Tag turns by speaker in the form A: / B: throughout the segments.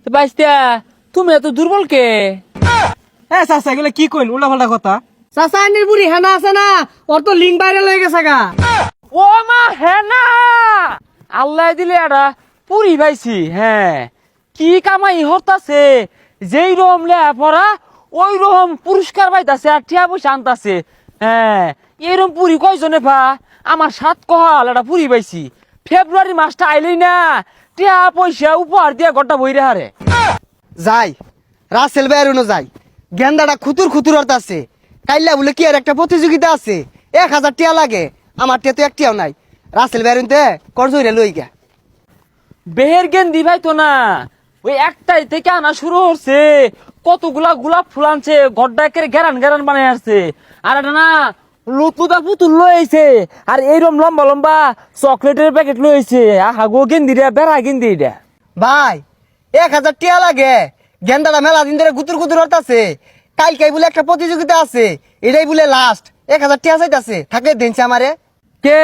A: বাইস্তা তুমি এত দুর্বল কে?
B: হ্যাঁ চাচা এগুলো কি কইন উল্টাপাল্টা কথা।
C: চাচা আইনের বুড়ি হেনা আছে না, ওর তো লিঙ্ক ভাইরাল হয়ে গেছে গা।
A: ও মা হেনা, আল্লাহ দিলে এটা পুরি পাইছি। হ্যাঁ, কি কামাই হরতাছে, যেই রকম লেয়া পড়া ওই রকম পুরস্কার পাইতাছে আর টিয়া পয়সা আনতাছে। হ্যাঁ, এরকম পুরি কয়জনে পা? আমার 7 কহাল একটা পুরি পাইছি। ফেব্রুয়ারি মাসটা আইলেই না টিয়া পয়সা উপহার দিয়া ঘরটা বইরে হারে।
C: যাই রাসেল ভাইয়ের যাই, গেন্দাটা খুতুর খুতুর অর্থ আছে। কাইল্লা বলে কি আর একটা প্রতিযোগিতা আছে, 1000 টিয়া লাগে, আমার টিয়া তো একটিয়াও নাই। রাসেল ভাইয়ের করজইরে লই গা।
A: বেহের গেন্দি ভাই তো না, ওই একটাই থেকে আনা শুরু হচ্ছে, কতগুলা গোলাপ ফুল আনছে, গড্ডাকে গেরান গেরান বানাই আসছে। আর এটা না লুতুদা পুতুল লইছে, আর এইরকম লম্বা লম্বা চকলেটের প্যাকেট লইছে। আহা গো গেন্দি রে, বেড়া গেন্দি এটা।
C: ভাই 1000 টিয়া লাগে, গেন্দাটা মেলা দিন ধরে গুতুর গুতুর অর্থ আছে। কালকে বলে একটা প্রতিযোগিতা আছে, এটাই বলে লাস্ট। 1000 টিয়া চাইতাছে, থাকলে দিনছে আমারে।
A: কে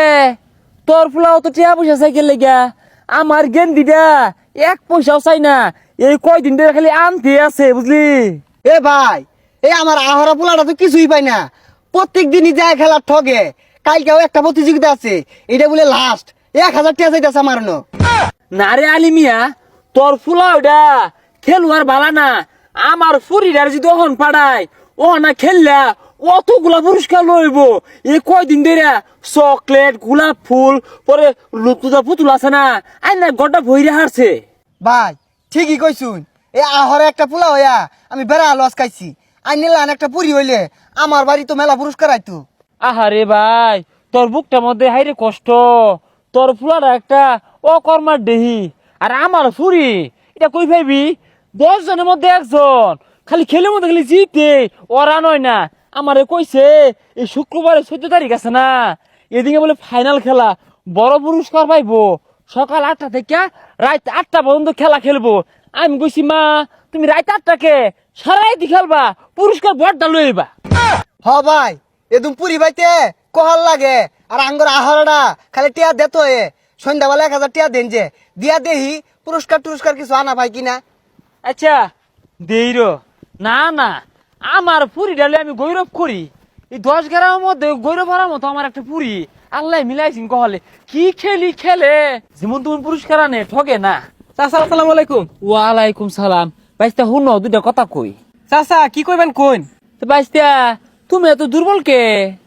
A: তোর ফুলাও তো টিয়া পয়সা সাইকেল লেগা, আমার গেন্দিটা 1 পয়সাও চাই না। এই কয়দিন ধরে খালি আনতে আছে বুঝলি।
C: এ ভাই, এই আমার আহরা পোলাটা তো কিছুই পাই না, প্রত্যেক দিনই যায় খেলার ঠগে। কালকেও একটা প্রতিযোগিতা আছে, এটা বলে লাস্ট। 1000 টিয়া চাইতাছে আমার ন।
A: না রে আলিমিয়া, তোর ফুলা ওটা খেলুয়ার বালা না। আমার ফুরিটার যদি ওহন পাড়ায়, ও না খেললা অতগুলা পুরস্কার লইব। এই কয়দিন ধরে চকলেট, গোলাপ ফুল, পরে লুতুদা পুতুল আছে না, আই না গড্ডা ভইরে হারছে।
C: ভাই ঠিকই কইছুন, এই আহরে একটা পোলা হইয়া আমি বেড়া লস খাইছি। আইনিলান একটা পুরি হইলে আমার বাড়ি তো মেলা পুরস্কার আইতো।
A: আহারে ভাই, তোর বুকটার মধ্যে হাইরে কষ্ট। তোর ফুলাটা একটা অকর্মার দেহি, আর আমার ফুরি এটা কই ভাবি 10 জনের মধ্যে একজন। খালি খেলের মধ্যে খালি জিতে, ওরা নয় না। আমারে কইছে এই শুক্রবারে 14 তারিখ আছে না, এদিকে বলে ফাইনাল খেলা, বড় পুরস্কার পাইবো। সকাল 8টা থেকে রাত 8টা পর্যন্ত খেলা খেলবো। আমি কইছি মা, তুমি রাত 8টাকে সারাইতে খেলবা, পুরস্কার বড়টা লইবা।
C: হ ভাই, এদম পুরি পাইতে কহাল লাগে। আর আঙ্গর আহরটা খালি টিয়া দেত হয়ে সন্ধ্যাবেলা 1000 টিয়া দেন যে দিয়া দেহি পুরস্কার টুরস্কার কিছু আনা ভাই কিনা।
A: আচ্ছা দেইর না না, আমার পুরি ডালে আমি গৌরব করি। এই 10 গ্রামের মধ্যে গৌরব হওয়ার মতো আমার একটা পুরি আল্লাহ মিলাইছিন। কহলে কি খেলি খেলে, যেমন তুমি পুরস্কার আনে ঠগে না।
B: চাচা আসসালামু আলাইকুম।
A: ওয়ালাইকুম সালাম। বাইস্তা হুন দুইটা কথা কই।
B: চাচা কি কইবেন কইন।
A: তো বাইস্তা তুমি এত দুর্বল কে?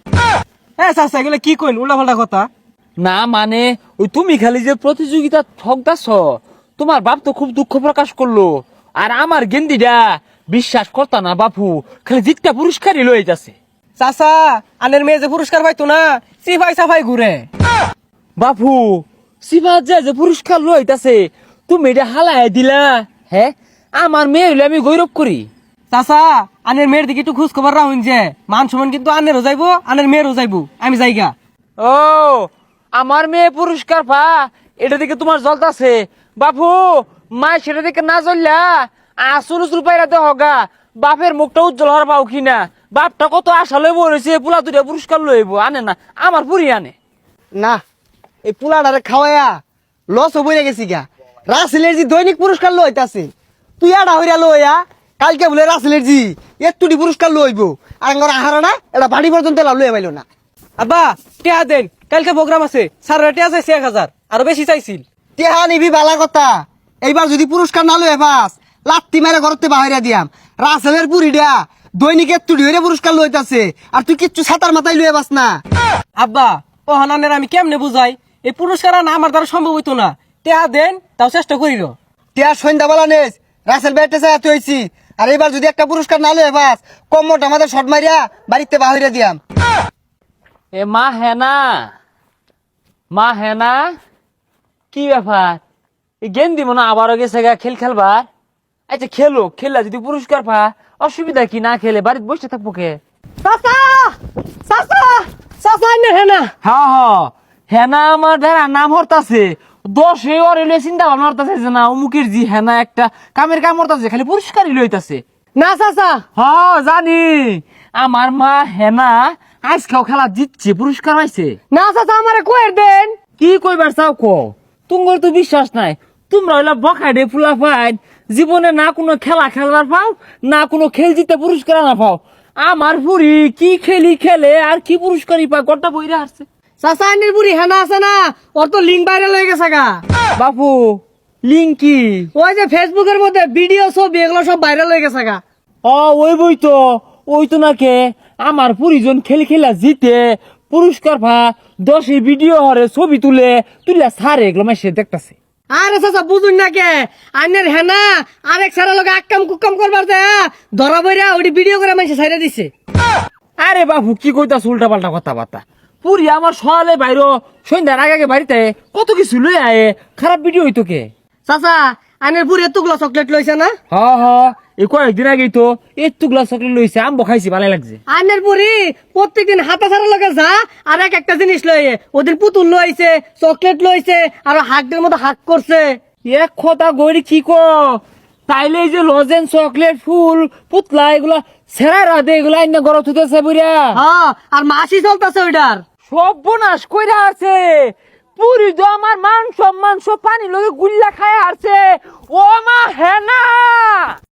B: হ্যাঁ চাচা এগুলো কি কইন উল্টাপাল্টা কথা।
A: না মানে ওই তুমি খালি যে প্রতিযোগিতা ঠকদাছ, তোমার বাপ তো খুব দুঃখ প্রকাশ করলো। আর আমার গেন্দিটা বিশ্বাস করতা না বাপু, খালি জিতটা পুরস্কারই লয়ে যাচ্ছে।
B: চাচা আনের মেয়ে যে পুরস্কার পাইতো না, সিফাই সাফাই ঘুরে।
A: বাপু সিফাত যে পুরস্কার লইতাছে, তুমি এটা হালাই দিলা। হ্যাঁ, আমার মেয়ে হইলে আমি গৌরব করি।
B: চাচা আনের মেয়ের দিকে একটু খোঁজ খবর রাখুন, যে মান সমান কিন্তু আনেরও যাইবো, আনের মেয়েরও যাইবো। আমি যাইগা।
A: ও আমার মেয়ে পুরস্কার পা, এটা দিকে তোমার জ্বলতাছে বাপু। মা সেটা দিকে না জ্বললা আসল উসুল পাইরা দে হগা, বাপের মুখটা উজ্জ্বল হওয়ার পাও কিনা। বাপটা কত আশা লইব রয়েছে, পোলা দুটা পুরস্কার লইব, আনে না, আমার পুরি আনে
C: না, এই পোলাটারে খাওয়াইয়া লস হয়ে গেছি গা। রাসেলের জি দৈনিক পুরস্কার লইতাছে, তুই আড়া হইয়া লইয়া কালকে বলে রাসেলের জি একটুটি পুরস্কার লইব। আর আঙ্গর আহারটা এটা বাড়ি পর্যন্ত লইয়া পাইল না।
B: আব্বা টিয়া দেন, কালকে প্রোগ্রাম আছে। স্যার টিয়া চাইছে 1000, আরো বেশি চাইছিল।
C: টেহা নিবি বালা কথা, এইবার যদি পুরস্কার না লইয়া পাস লাত্তি মেরে ঘরতে বাহিরা দিয়াম। রাসেলের পুরিটা দৈনিক একটুটি হইয়া পুরস্কার লইতাছে, আর তুই কিচ্ছু ছাতার মাথায় লইয়া পাস না।
B: আব্বা ও হানানের আমি কেমনে বুঝাই, এই পুরস্কার না আমার দ্বারা সম্ভব হইতো না। টিয়া দেন, তাও চেষ্টা করিল।
C: টেহা সন্ধ্যাবেলা নেস রাসেল ব্যাটে চাইতে হয়েছি। আর এবার যদি একটা পুরস্কার না লইয়া পাস কম্মটা আমাদের শট মারিয়া বাড়িতে বাহিরা দিয়াম।
A: এ মা হেনা, মা হেনা, কি ব্যাপার? এই গেন্দি মনে আবারও গেছে গা খেল খেলবার। আচ্ছা খেলো, খেললা যদি পুরস্কার পা অসুবিধা কি? না খেলে বাড়িতে বসে থাকবো কে?
C: চাচা চাচা চাচা আইনে হেনা।
A: হ্যাঁ হ্যাঁ, হেনা আমার ধরা নাম হরতাছে। 10 ওরে চিন্তা ভাবনা হরতাছে যে না অমুকের জি হেনা একটা কামের কাম হরতাছে, খালি পুরস্কারই লইতাছে।
C: না চাচা,
A: হ্যাঁ জানি, আমার মা হেনা আজকেও খেলা জিতছে, পুরস্কার পাইছে।
C: না চাচা আমারে কয়ের দেন।
A: কি কইবার চাও কো? তুঙ্গর তো বিশ্বাস নাই। তোমরা হইলা বখাডে ফুলা ফাইন, জীবনে না কোনো খেলা খেলার পাও, না কোনো খেল জিতে পুরস্কার না পাও। আমার পুরি কি খেলি খেলে আর কি পুরস্কারই পায়, গোটা বইরা আসছে।
B: চাচা আইনের বুড়ি হেনা আছে না, ওর তো লিঙ্ক ভাইরাল হয়ে গেছে গা।
A: বাপু লিঙ্ক কি?
B: ওই যে ফেসবুকের মধ্যে ভিডিও ছবি এগুলো সব ভাইরাল হয়ে গেছে গা।
A: ওই বই তো, ওই তো নাকে আমার পরিজন খেলি খেলা জিতে পুরস্কার পা 10 ভিডিও হরে ছবি তুলে সারে এগুলো মাসে দেখতেছে।
B: আরে চাচা বুঝুন না কে, আইনের হেনা আরেক সারা লোক আক্কাম কুক্কাম করবার যায় ধরা বইরা ওটি ভিডিও করে মানুষে ছাইড়া দিছে।
A: আরে বাবু কি কইতাছ উল্টা পাল্টা কথাবার্তা। পুরি আমার সকালে বাইরো, সন্ধ্যার আগে বাড়িতে কত কিছু লই আয়ে, খারাপ ভিডিও হইতো কে?
B: চাচা আইনের বুড়ি এতগুলো চকলেট লইছে না?
A: হ এই কয়েকদিন আগেই তো এতগুলা চকলেট লইছে, আম্ব খাইছি ভালো লাগছে।
B: আইনের বুড়ি প্রত্যেকদিন হাতা ছাড়া লগে যা আর একটা জিনিস লইয়ে, ওদের পুতুল লইছে, চকলেট লইছে, আর হাকদের মতো হাক করছে।
A: এক কথা গড়ি কি কো, তাইলে এই যে লজেন চকলেট ফুল পুতলা এগুলা সেরা রাধে এগুলা আইনা গরত হইতেছে বুড়িয়া।
B: হ্যাঁ আর মাসি চলতেছে ওইটার।
A: সর্বনাশ কইরা আছে পুরি তো আমার মান সম্মান সব পানি লগে গুল্লা খায় আছে। ও মা হেনা